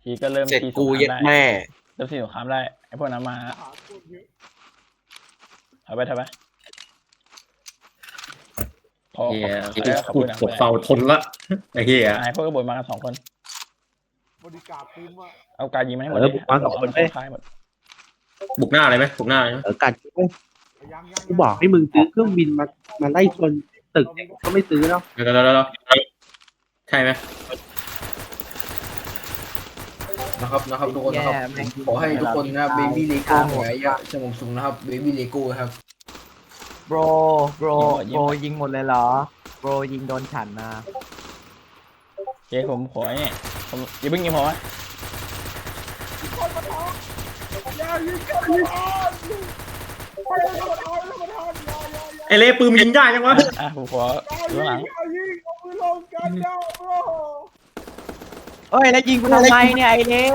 ทีก็เริ่มเสร็จทีสกูงคเย็ดรามได้แม่เริ่มทีสงครามได้ไอ้พวกนั้นมาถอยไปพอเฮียขอบกูคุณนะปวดเฝ้าทนละไอ้เฮียไอ้พวกกบฏมากัน2 คนบริการคุ้มอ่ะเอาการยิงมาให้หมดเลยบุกมา2 คนเอาค่ายหมดบุกหน้าเลยไหมบุกหน้าเลยไหมกัดกูบอกให้มึงซื้อเครื่องบินมาไล่ชนตึกก็ไม่ซื้อแล้วเดี๋ยวใช่ไหมนะครับทุกคนนะครับขอให้ทุกคนนะเบบี้เลโก้หวยอะสงบสุขนะครับเบบี้เลโก้ครับโบรยิงหมดเลยเหรอโบรยิงโดนฉันนะโอเคผมขอเนี่ยผมอย่าเพิ่งยิงผมวะไอเล่ปืนมันยิงได้ยังวะผมขออยู่ข้างหลังเอ้ยแล้วยิงกูทำไมเนี่ยไอ้เน่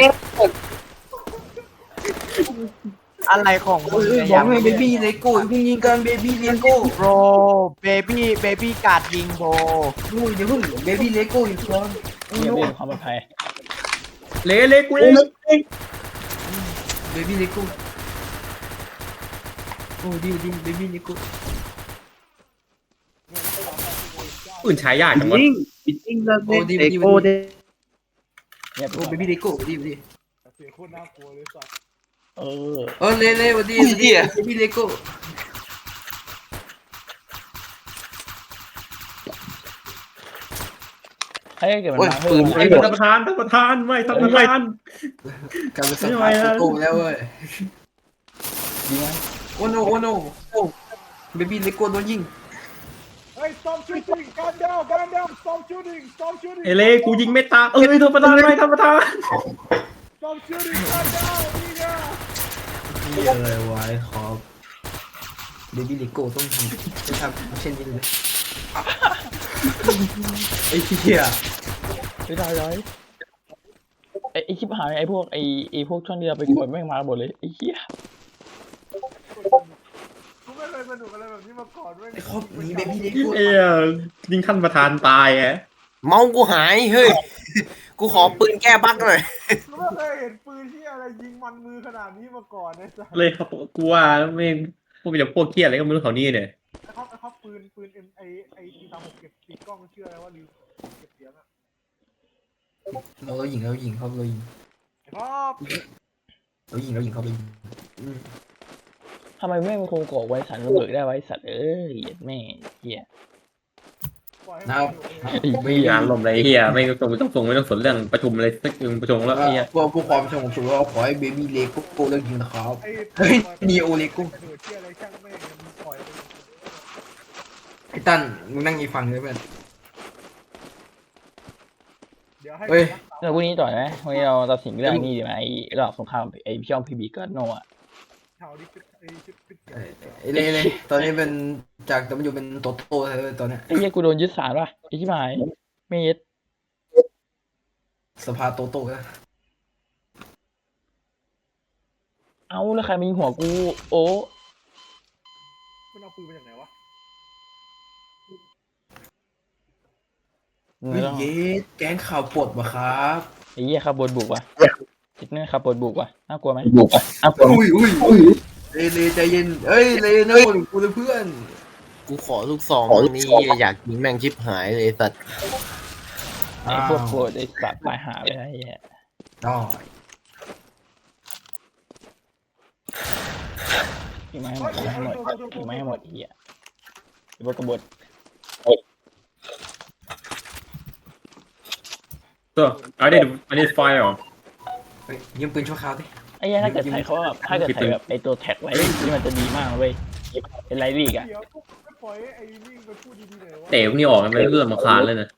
อะไรของมึงเนี่ยบอกให้เบบี้เลโก้เพิ่งยิงกันเบบี้เลโก้โบรเบบี้การ์ดยิงโบรดูอย่าเพิ่งเบบี้เลโก้อยู่ก่อนเรียบเรียงความปลอดภัยเล่กูเองเบบี้เลโก้โอ้ดีเบบี้เลโก้ปืนใช้ยากจังวะบิดดิ้งเลิกเล่นเอโก้ได้เนี่ยโอ้เบบี้เลโก้ดีเสียงโคตรน่ากลัวเลยสัตว์เล่วันดีเบบี้เลโก้ให้เกิดมันมาเพิ่มไอ้ท่านประธานไม่ท่านประธานกลายเป็นสภาพโก้แล้วเว้ยยิงไหมโอ้โนเบบี้เลโก้โดนยิงเฮ้ย stop shooting gun down stop shooting ไอเล่กูยิงไม่ตายท่านประธานไม่ท่านประธาน stop shooting gun down นี่ไงนี่อะไรวะครับเบบี้เลโก้ต้องทำเช่นนี้เลยไอ้เหี้ยไม่ได้เลยไอ้คลิปหายไอ้พวกช่องที่เราไปกดแม่งมาหมดเลยไอ้เหี้ยกูไม่เคยสนุกอะไรแบบนี้มาก่อนเว้ยไอ้ครอบนี้เบบี้เลโก้ไอ้ยิงท่านประธานตายฮะเมากูหายเฮ้ยกูขอปืนแก้บั๊กหน่อยกูไม่เคยเห็นปืนที่อะไรยิงมันมือขนาดนี้มาก่อนนะจ๊ะเลยครับกูว่าไม่พวกเป็นพวกเครียดอะไรก็ไม่รู้แถวนี้เนี่ยไอ้เขาปืนไอ้ที่ตามผมเก็บติดกล้องเชื่ออะไรว่าลืมเก็บเสียงอ่ะเรายิงครับเรายิงไอ้พ่อเขาไปยิงทำไมแม่งมันคงก่อไว้สันระเบิดได้ไว้สัตว์แม่เหี้ยปล่อยให้นะครับไม่มีอารมณ์อะไรเฮียไม่ต้องสนเรื่องประชุมอะไรสักประชุมแล้วเฮียพวกความสงบสุขเราขอให้เบบี้เลโก้เลิกยิงนะครับไอ้เฮ้ยนีโอเลโก้กระโดดเชื่ออะไรช่างแม่งมันปล่อยไปไอ้ตั้นมึงนั่งอีกฝั่งเลยเพื่อนเดี๋ยวให้เฮ้ยเรื่องพวกนี้ต่อไหมวันนี้เราตัดสินเรื่องนี้ดีไหมไอ้รอบสงครามไอ้พี่ช่องพีบีก็โนอ่ะเท่าที่ไอ้ชิปปิดเสียงไอ้เลยตอนนี้เป็นจากแต่มันอยู่เป็นโตโต้เลยตอนนี้ไอ้เหี้ยกูโดนยึดศาลป่ะไอ้ชิบหายไม่ยึดสภาโตโต้นะเอาแล้วใครมายิงหัวกูโอ้มันเอาปืนมาจากไหนวะเฮ้ยเย้แก๊งข่าวปวดวะครับไอ้เหี้ยขับบนบุกว่ะคิดเนี่ยขับบนบุกว่ะน่ากลัวไหมอุ้ยเลยใจเย็นเอ้ยเลยนะกูเลยเพื่อนกูขอลูกซองนี่อยากยิงแม่งชิบหายเลยสัตว์ไอ้พวกโกรธไอ้สัตว์ตายหาเลยนะไอ้เหี้ยได้ยิงมาให้หมดยิงมาให้หมดไอ้เหี้ยไอ้พวกกบฏ So I need fire เฮ้ยยิงปืนชั่วคราวดิไอ้เหี้ยถ้าเกิดใส่เขาแบบถ้าเกิดใส่แบบไอ้ตัวแท็กไว้ที่มันจะดีมากเว้ยเป็นไรลีกอ่ะเดี๋ยวไม่ปล่อยไอ้นิ่งไปพูดดีๆหน่อยวะเตะพวกนี้ออกกันไปเรื่องมาคานเลยนะ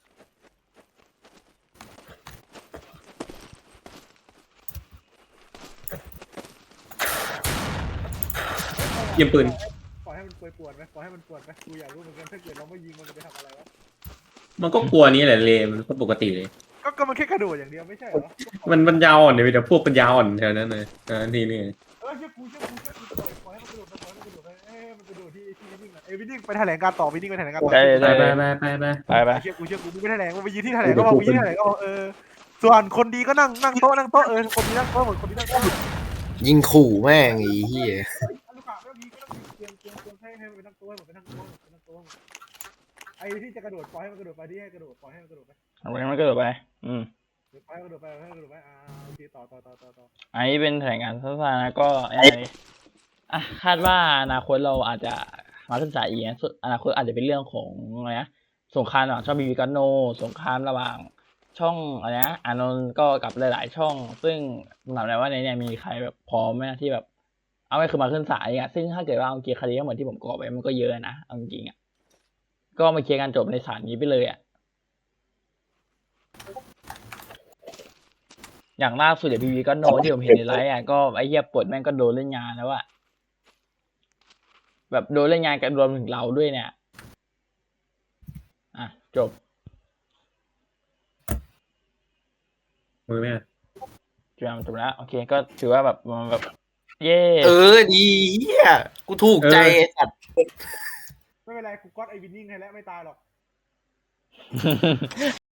ยิงปืนปล่อยให้มันปวดไหมปล่อยให้มันปวดไหมกูอยากรู้เหมือนกันถ้าเกิดเราไม่ยิงมันจะไปทำอะไรวะมันก็กลัวนี้แหละเลมันก็ปกติเลยก็มันแค่กระโดดอย่างเดียวไม่ใช่เหรอมันยาวอ่อนเลยแต่พวกปัญญาอ่อนแถวนั้นเลยทีนี้เชื่อกูปล่อยให้มันกระโดดปล่อยให้มันกระโดดมันกระโดดที่วิ่งอ่ะวิ่งไปแถลงการต่อวิ่งไปแถลงการต่อได้ไปได้ไปไปเชื่อกูมึงไปแถลงมึงไปยืนที่แถลงก็บอกมึงยืนที่แถลงก็บอกส่วนคนดีก็นั่งโต๊ะคนดีนั่งโต๊ะหมดคนดีนั่งโต๊ะยิงขู่แม่งไอ้เหี้ยลูกค้าไม่ต้องมีเตรียมให้ไปนั่งโต๊ะไปนั่งโต๊ะไอ้ที่จะกระโดดปล่อยให้มันกระโดดไปที่ให้กระโดดปล่อยให้มันกระโดดไปเอาไปมันก็โดดไปปล่อยให้กระโดดไปโอเคต่ออันนี้เป็นแถลงการณ์สั้นๆนะก็คาดว่าอนาคตเราอาจจะมาศึกษาอีกนะอนาคตอาจจะเป็นเรื่องของอะไรนะสงครามระหว่างช่องบีบีกันโนสงครามระหว่างช่องอะไรนะอานนท์ก็กับหลายๆช่อง ซึ่งถามเลยว่าในเนี่ยมีใครแบบพร้อมไหมที่แบบ เอาไม่คือมาขึ้นศาลอย่างเงี้ยซึ่งถ้าเกิดว่าเอาเกียร์คดีก็เหมือนที่ผมกรอกไว้มันก็เยอะนะเอาจริงๆอ่ะก็มาเคลียร์กันจบในศาลนี้ไปเลยอ่ะอย่างล่าสุดเดี๋ยวบีบีก็โนที่ผมเห็นในไลฟ์อ่ะก็ไอ้เหี้ยปลดแม่งก็โดนเล่นงานแล้วอ่ะแบบโดนเล่นงานกันรวมถึงเราด้วยเนี่ยอ่ะจบมือแม่จบแล้วโอเคก็ถือว่าแบบมันแบบเย่ดีเหี้ยกูถูกใจไอ้สัตว์ไม่เป็นไรกูก๊อตไอ้วินนิ่งให้แล้วไม่ตายหรอก